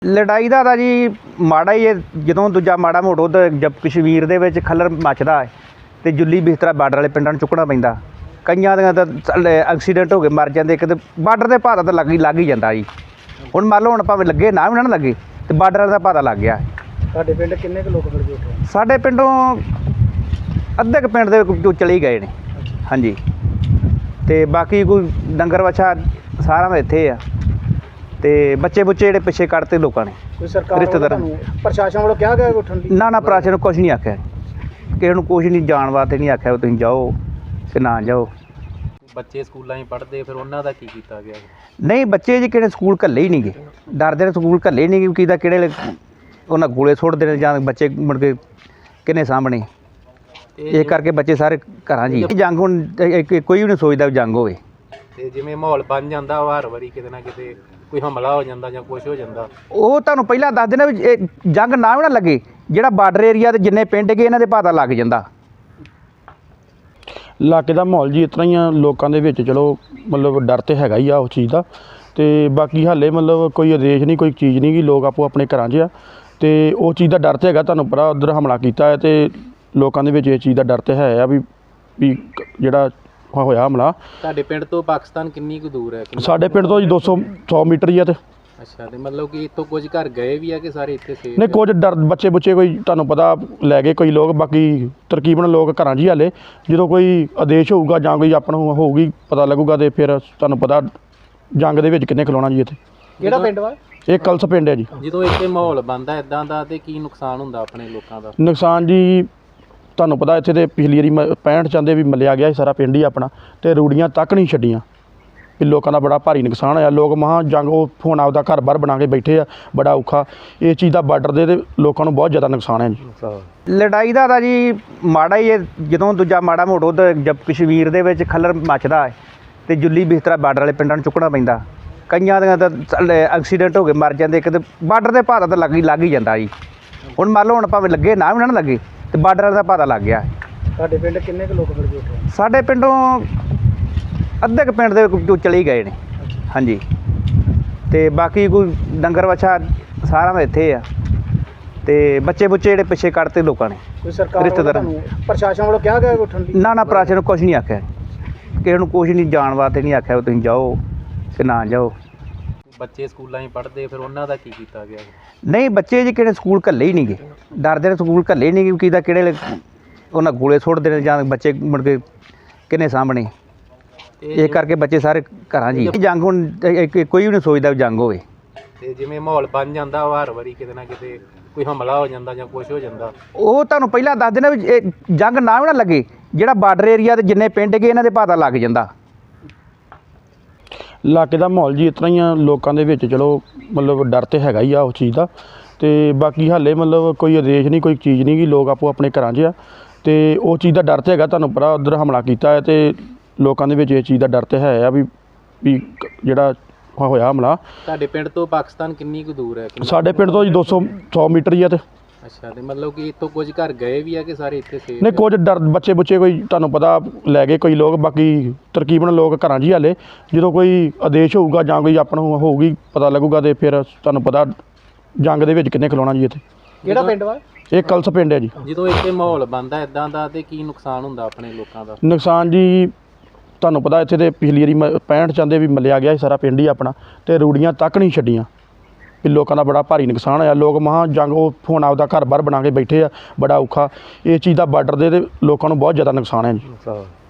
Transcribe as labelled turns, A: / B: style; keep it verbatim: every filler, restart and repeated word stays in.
A: ਲੜਾਈ ਦਾ ਤਾਂ ਜੀ ਮਾੜਾ ਹੀ ਹੈ। ਜਦੋਂ ਦੂਜਾ ਮਾੜਾ ਮੋਟੋ ਤਾਂ ਜਦ ਕਸ਼ਮੀਰ ਦੇ ਵਿੱਚ ਖੱਲਰ ਮੱਚਦਾ ਹੈ ਅਤੇ ਜੁੱਲੀ ਬਿਸਤਰਾ ਬਾਰਡਰ ਵਾਲੇ ਪਿੰਡਾਂ ਨੂੰ ਚੁੱਕਣਾ ਪੈਂਦਾ। ਕਈਆਂ ਦੀਆਂ ਤਾਂ ਐਕਸੀਡੈਂਟ ਹੋ ਕੇ ਮਰ ਜਾਂਦੇ। ਕਿਤੇ ਬਾਰਡਰ ਦੇ ਭਾਅ ਤਾਂ ਲੱਗ ਹੀ ਲੱਗ ਹੀ ਜਾਂਦਾ ਜੀ। ਹੁਣ ਮੰਨ ਲਓ ਹੁਣ ਭਾਵੇਂ ਲੱਗੇ ਨਾ ਵੀ ਨਾ ਲੱਗੇ ਅਤੇ ਬਾਰਡਰ ਵਾਲੇ ਦਾ ਭਾਅ ਲੱਗ ਗਿਆ।
B: ਤੁਹਾਡੇ ਪਿੰਡ ਕਿੰਨੇ ਕੁ ਲੋਕ ਮਿਲ ਗਏ ਉੱਥੇ?
A: ਸਾਡੇ ਪਿੰਡੋਂ ਅੱਧੇ ਕੁ ਪਿੰਡ ਦੇ ਵਿੱਚੋਂ ਚਲੇ ਹੀ ਗਏ ਨੇ। ਹਾਂਜੀ, ਅਤੇ ਬਾਕੀ ਕੋਈ ਡੰਗਰ ਵੱਛਾ ਸਾਰਿਆਂ ਦਾ ਇੱਥੇ ਆ, ਅਤੇ ਬੱਚੇ ਬੁੱਚੇ ਜਿਹੜੇ ਪਿੱਛੇ ਕੱਢਤੇ ਲੋਕਾਂ ਨੇ।
B: ਕੋਈ ਸਰਕਾਰ
A: ਰਿਸ਼ਤੇਦਾਰਾਂ
B: ਵੱਲੋਂ ਪ੍ਰਸ਼ਾਸਨ ਵੱਲੋਂ ਕਿਹਾ ਗਿਆ ਉੱਠਣ ਦੀ?
A: ਨਾ ਨਾ ਪ੍ਰਸ਼ਾਸਨ ਨੂੰ ਕੁਛ ਨਹੀਂ ਆਖਿਆ, ਕਿਸੇ ਨੂੰ ਕੁਛ ਨਹੀਂ ਜਾਣ ਵਾਸਤੇ ਨਹੀਂ ਆਖਿਆ ਤੁਸੀਂ ਜਾਓ ਕਿ ਨਾ ਜਾਓ।
C: ਬੱਚੇ ਸਕੂਲਾਂ 'ਚ ਪੜ੍ਹਦੇ ਫਿਰ ਉਹਨਾਂ ਦਾ ਕੀ ਕੀਤਾ ਗਿਆ?
A: ਨਹੀਂ, ਬੱਚੇ ਜੀ ਕਿਹੜੇ ਸਕੂਲ ਘੱਲੇ ਹੀ ਨਹੀਂ ਗਏ, ਡਰਦੇ ਨੇ ਸਕੂਲ ਘੱਲੇ ਨਹੀਂ ਗਏ। ਕਿਦਾ ਕਿਹੜੇ ਉਹਨਾਂ ਗੋਲੇ ਸੁੱਟਦੇ ਨੇ ਜਾਂ ਬੱਚੇ ਮੁੜ ਕੇ ਕਿਹਨੇ ਸਾਹਮਣੇ। ਇਹ ਕਰਕੇ ਬੱਚੇ ਸਾਰੇ ਘਰਾਂ ਜੀ। ਜੰਗ ਹੁਣ ਕੋਈ ਵੀ ਨਹੀਂ ਸੋਚਦਾ ਵੀ ਜੰਗ ਹੋਵੇ।
C: ਅਤੇ ਜਿਵੇਂ ਮਾਹੌਲ ਬਣ ਜਾਂਦਾ ਵਾ ਹਰ ਵਾਰੀ ਕਿਤੇ ਨਾ ਕਿਤੇ ਕੋਈ ਹਮਲਾ ਹੋ ਜਾਂਦਾ ਜਾਂ ਕੁਛ ਹੋ ਜਾਂਦਾ,
A: ਉਹ ਤੁਹਾਨੂੰ ਪਹਿਲਾਂ ਦੱਸ ਦੇਣਾ ਵੀ ਇਹ ਜੰਗ ਨਾ ਵੀ ਨਾ ਲੱਗੇ, ਜਿਹੜਾ ਬਾਰਡਰ ਏਰੀਆ ਦੇ ਜਿੰਨੇ ਪਿੰਡ ਗਏ ਇਹਨਾਂ ਦੇ ਪਤਾ ਲੱਗ ਜਾਂਦਾ।
D: ਇਲਾਕੇ ਦਾ ਮਾਹੌਲ ਜੀ ਇਸ ਤਰ੍ਹਾਂ ਹੀ ਆ, ਲੋਕਾਂ ਦੇ ਵਿੱਚ ਚਲੋ ਮਤਲਬ ਡਰ ਤਾਂ ਹੈਗਾ ਹੀ ਆ ਉਸ ਚੀਜ਼ ਦਾ। ਅਤੇ ਬਾਕੀ ਹਾਲੇ ਮਤਲਬ ਕੋਈ ਆਦੇਸ਼ ਨਹੀਂ, ਕੋਈ ਚੀਜ਼ ਨਹੀਂ ਗੀ, ਲੋਕ ਆਪੋ ਆਪਣੇ ਘਰਾਂ 'ਚ ਆ ਅਤੇ ਉਹ ਚੀਜ਼ ਦਾ ਡਰ ਤਾਂ ਹੈਗਾ। ਤੁਹਾਨੂੰ ਪਤਾ ਉੱਧਰ ਹਮਲਾ ਕੀਤਾ ਹੈ ਅਤੇ ਲੋਕਾਂ ਦੇ ਵਿੱਚ ਇਹ ਚੀਜ਼ ਦਾ ਡਰ ਤਾਂ ਹੈ ਆ ਵੀ ਵੀ ਜਿਹੜਾ ਹੋਇਆ ਹਮਲਾ।
C: ਤੁਹਾਡੇ ਪਿੰਡ ਤੋਂ ਪਾਕਿਸਤਾਨ ਕਿੰਨੀ ਕੁ ਦੂਰ ਹੈ?
D: ਸਾਡੇ ਪਿੰਡ ਤੋਂ ਜੀ ਦੋ ਸੌ ਸੌ ਮੀਟਰ ਹੀ ਆ। ਅਤੇ
C: ਅੱਛਾ, ਅਤੇ ਮਤਲਬ ਕਿ ਇੱਥੋਂ ਕੁਝ ਘਰ ਗਏ ਵੀ ਆ ਕਿ ਸਾਰੇ ਇੱਥੇ ਸੇਫ?
D: ਨਹੀਂ, ਕੁਝ ਡਰ ਬੱਚੇ ਬੁੱਚੇ ਕੋਈ ਤੁਹਾਨੂੰ ਪਤਾ ਲੈ ਗਏ ਕੋਈ ਲੋਕ, ਬਾਕੀ ਤਰਕੀਬਨ ਲੋਕ ਘਰਾਂ 'ਚ ਹੀ ਹਾਲੇ। ਜਦੋਂ ਕੋਈ ਆਦੇਸ਼ ਹੋਊਗਾ ਜਾਂ ਕੋਈ ਆਪਾਂ ਨੂੰ ਹੋਊਗੀ ਪਤਾ ਲੱਗੂਗਾ ਅਤੇ ਫਿਰ ਤੁਹਾਨੂੰ ਪਤਾ ਜੰਗ ਦੇ ਵਿੱਚ ਕਿੰਨੇ ਖਲੋਣਾ ਜੀ ਇੱਥੇ।
B: ਕਿਹੜਾ ਪਿੰਡ ਵਾ
D: ਇਹ ਕਲਸ ਪਿੰਡ ਹੈ ਜੀ।
C: ਜਦੋਂ ਇੱਥੇ ਮਾਹੌਲ ਬਣਦਾ ਇੱਦਾਂ ਦਾ ਅਤੇ ਕੀ ਨੁਕਸਾਨ ਹੁੰਦਾ ਆਪਣੇ ਲੋਕਾਂ ਦਾ?
D: ਨੁਕਸਾਨ ਜੀ ਤੁਹਾਨੂੰ ਪਤਾ ਇੱਥੇ ਤੇ ਪਿਛਲੀ ਵਾਰੀ ਮ ਪੈਂਹਠ ਚਾਹੁੰਦੇ ਵੀ ਮੱਲਿਆ ਗਿਆ ਸੀ ਸਾਰਾ ਪਿੰਡ ਹੀ ਆਪਣਾ, ਅਤੇ ਰੂੜੀਆਂ ਤੱਕ ਨਹੀਂ ਛੱਡੀਆਂ। ਵੀ ਲੋਕਾਂ ਦਾ ਬੜਾ ਭਾਰੀ ਨੁਕਸਾਨ ਹੋਇਆ। ਲੋਕ ਮਹਾਂ ਜੰਗ ਉਹ ਹੁਣ ਆਪਦਾ ਘਰ ਬਾਹਰ ਬਣਾ ਕੇ ਬੈਠੇ ਆ, ਬੜਾ ਔਖਾ ਇਹ ਚੀਜ਼ ਦਾ। ਬਾਰਡਰ ਦੇ ਤੇ ਲੋਕਾਂ ਨੂੰ ਬਹੁਤ ਜ਼ਿਆਦਾ ਨੁਕਸਾਨ ਹੈ ਜੀ।
A: ਲੜਾਈ ਦਾ ਤਾਂ ਜੀ ਮਾੜਾ ਹੀ ਹੈ। ਜਦੋਂ ਦੂਜਾ ਮਾੜਾ ਮੋਟੋ ਤਾਂ ਜਦ ਕਸ਼ਮੀਰ ਦੇ ਵਿੱਚ ਖੱਲਰ ਮੱਚਦਾ ਹੈ ਅਤੇ ਜੁੱਲੀ ਬਿਸਤਰਾ ਬਾਰਡਰ ਵਾਲੇ ਪਿੰਡਾਂ ਨੂੰ ਚੁੱਕਣਾ ਪੈਂਦਾ। ਕਈਆਂ ਦੀਆਂ ਤਾਂ ਐਕਸੀਡੈਂਟ ਹੋ ਕੇ ਮਰ ਜਾਂਦੇ। ਕਿਤੇ ਬਾਰਡਰ ਦੇ ਭਾਅ ਤਾਂ ਲੱਗ ਹੀ ਲੱਗ ਹੀ ਜਾਂਦਾ ਜੀ। ਹੁਣ ਮੰਨ ਲਓ ਹੁਣ ਭਾਵੇਂ ਲੱਗੇ ਨਾ ਵੀ ਨਾ ਲੱਗੇ ਅਤੇ ਬਾਰਡਰ ਵਾਲੇ ਦਾ ਭਾਅ ਲੱਗ ਗਿਆ।
B: ਤੁਹਾਡੇ ਪਿੰਡ ਕਿੰਨੇ ਕੁ ਲੋਕ ਮਿਲ ਗਏ ਉੱਥੇ?
A: ਸਾਡੇ ਪਿੰਡੋਂ ਅੱਧੇ ਕੁ ਪਿੰਡ ਦੇ ਵਿੱਚੋਂ ਚਲੇ ਹੀ ਗਏ ਨੇ। ਹਾਂਜੀ, ਅਤੇ ਬਾਕੀ ਕੋਈ ਡੰਗਰ ਵੱਛਾ ਸਾਰਿਆਂ ਦਾ ਇੱਥੇ ਆ, ਅਤੇ ਬੱਚੇ ਬੁੱਚੇ ਜਿਹੜੇ ਪਿੱਛੇ ਕੱਢਤੇ ਲੋਕਾਂ ਨੇ।
B: ਕੋਈ ਸਰਕਾਰ
A: ਰਿਸ਼ਤੇਦਾਰਾਂ
B: ਵੱਲੋਂ ਪ੍ਰਸ਼ਾਸਨ ਵੱਲੋਂ ਕਿਹਾ ਗਿਆ ਉੱਠਣ ਦੀ?
A: ਨਾ ਨਾ ਪ੍ਰਸ਼ਾਸਨ ਨੂੰ ਕੁਛ ਨਹੀਂ ਆਖਿਆ, ਕਿਸੇ ਨੂੰ ਕੁਛ ਨਹੀਂ ਜਾਣ ਵਾਸਤੇ ਨਹੀਂ ਆਖਿਆ ਤੁਸੀਂ ਜਾਓ ਕਿ ਨਾ ਜਾਓ।
C: ਬੱਚੇ ਸਕੂਲਾਂ 'ਚ ਪੜ੍ਹਦੇ ਫਿਰ ਉਹਨਾਂ ਦਾ ਕੀ ਕੀਤਾ ਗਿਆ?
A: ਨਹੀਂ, ਬੱਚੇ ਜੀ ਕਿਹੜੇ ਸਕੂਲ ਘੱਲੇ ਹੀ ਨਹੀਂ ਗਏ, ਡਰਦੇ ਨੇ ਸਕੂਲ ਘੱਲੇ ਹੀ ਨਹੀਂ ਗਏ। ਕਿਦਾ ਕਿਹੜੇ ਉਹਨਾਂ ਗੋਲੇ ਸੁੱਟਦੇ ਨੇ ਜਾਂ ਬੱਚੇ ਮੁੜ ਕੇ ਕਿਹਨੇ ਸਾਹਮਣੇ। ਇਹ ਕਰਕੇ ਬੱਚੇ ਸਾਰੇ ਘਰਾਂ ਜੀ। ਜੰਗ ਹੁਣ ਕੋਈ ਵੀ ਨਹੀਂ ਸੋਚਦਾ ਵੀ ਜੰਗ ਹੋਵੇ।
C: ਅਤੇ ਜਿਵੇਂ ਮਾਹੌਲ ਬਣ ਜਾਂਦਾ ਵਾ ਹਰ ਵਾਰੀ ਕਿਤੇ ਨਾ ਕਿਤੇ ਕੋਈ ਹਮਲਾ ਹੋ ਜਾਂਦਾ ਜਾਂ ਕੁਛ ਹੋ ਜਾਂਦਾ,
A: ਉਹ ਤੁਹਾਨੂੰ ਪਹਿਲਾਂ ਦੱਸ ਦੇਣਾ ਵੀ ਇਹ ਜੰਗ ਨਾ ਵੀ ਨਾ ਲੱਗੇ, ਜਿਹੜਾ ਬਾਰਡਰ ਏਰੀਆ ਦੇ ਜਿੰਨੇ ਪਿੰਡ ਗਏ ਇਹਨਾਂ ਦੇ ਪਤਾ ਲੱਗ ਜਾਂਦਾ।
D: ਇਲਾਕੇ ਦਾ ਮਾਹੌਲ ਜੀ ਇਸ ਤਰ੍ਹਾਂ ਹੀ ਆ, ਲੋਕਾਂ ਦੇ ਵਿੱਚ ਚਲੋ ਮਤਲਬ ਡਰ ਤਾਂ ਹੈਗਾ ਹੀ ਆ ਉਸ ਚੀਜ਼ ਦਾ। ਅਤੇ ਬਾਕੀ ਹਾਲੇ ਮਤਲਬ ਕੋਈ ਆਦੇਸ਼ ਨਹੀਂ, ਕੋਈ ਚੀਜ਼ ਨਹੀਂ ਗੀ, ਲੋਕ ਆਪੋ ਆਪਣੇ ਘਰਾਂ 'ਚ ਆ ਅਤੇ ਉਹ ਚੀਜ਼ ਦਾ ਡਰ ਤਾਂ ਹੈਗਾ। ਤੁਹਾਨੂੰ ਪਤਾ ਉੱਧਰ ਹਮਲਾ ਕੀਤਾ ਹੈ ਅਤੇ ਲੋਕਾਂ ਦੇ ਵਿੱਚ ਇਹ ਚੀਜ਼ ਦਾ ਡਰ ਤਾਂ ਹੈ ਆ ਵੀ ਵੀ ਜਿਹੜਾ ਹੋਇਆ ਹਮਲਾ।
C: ਤੁਹਾਡੇ ਪਿੰਡ ਤੋਂ ਪਾਕਿਸਤਾਨ ਕਿੰਨੀ ਕੁ ਦੂਰ ਹੈ?
D: ਸਾਡੇ ਪਿੰਡ ਤੋਂ ਜੀ ਦੋ ਸੌ ਸੌ ਮੀਟਰ ਹੀ ਆ। ਅਤੇ
C: ਅੱਛਾ, ਅਤੇ ਮਤਲਬ ਕਿ ਇੱਥੋਂ ਕੁਝ ਘਰ ਗਏ ਵੀ ਆ ਕਿ ਸਾਰੇ ਇੱਥੇ ਸੇਫ?
D: ਨਹੀਂ, ਕੁਝ ਡਰ ਬੱਚੇ ਬੁੱਚੇ ਕੋਈ ਤੁਹਾਨੂੰ ਪਤਾ ਲੈ ਗਏ ਕੋਈ ਲੋਕ, ਬਾਕੀ ਤਰਕੀਬਨ ਲੋਕ ਘਰਾਂ 'ਚ ਹੀ ਹਾਲੇ। ਜਦੋਂ ਕੋਈ ਆਦੇਸ਼ ਹੋਊਗਾ ਜਾਂ ਕੋਈ ਆਪਾਂ ਨੂੰ ਹੋਊਗੀ ਪਤਾ ਲੱਗੂਗਾ ਅਤੇ ਫਿਰ ਤੁਹਾਨੂੰ ਪਤਾ ਜੰਗ ਦੇ ਵਿੱਚ ਕਿੰਨੇ ਖਲੋਣਾ ਜੀ ਇੱਥੇ।
B: ਕਿਹੜਾ ਪਿੰਡ ਵਾ
D: ਇਹ ਕਲਸ ਪਿੰਡ ਹੈ ਜੀ।
C: ਜਦੋਂ ਇੱਥੇ ਮਾਹੌਲ ਬਣਦਾ ਇੱਦਾਂ ਦਾ ਅਤੇ ਕੀ ਨੁਕਸਾਨ ਹੁੰਦਾ ਆਪਣੇ ਲੋਕਾਂ ਦਾ?
D: ਨੁਕਸਾਨ ਜੀ ਤੁਹਾਨੂੰ ਪਤਾ ਇੱਥੇ ਤੇ ਪਿਛਲੀ ਵਾਰੀ ਮ ਪੈਂਹਠ ਚਾਹੁੰਦੇ ਵੀ ਮੱਲਿਆ ਗਿਆ ਸੀ ਸਾਰਾ ਪਿੰਡ ਹੀ ਆਪਣਾ, ਅਤੇ ਰੂੜੀਆਂ ਤੱਕ ਨਹੀਂ ਛੱਡੀਆਂ। ਵੀ ਲੋਕਾਂ ਦਾ ਬੜਾ ਭਾਰੀ ਨੁਕਸਾਨ ਹੋਇਆ। ਲੋਕ ਮਹਾਂ ਜੰਗ ਉਹ ਹੁਣ ਆਪਦਾ ਘਰ ਬਾਹਰ ਬਣਾ ਕੇ ਬੈਠੇ ਆ, ਬੜਾ ਔਖਾ ਇਹ ਚੀਜ਼ ਦਾ। ਬਾਰਡਰ ਦੇ ਤੇ ਲੋਕਾਂ ਨੂੰ ਬਹੁਤ ਜ਼ਿਆਦਾ ਨੁਕਸਾਨ ਹੈ ਜੀ।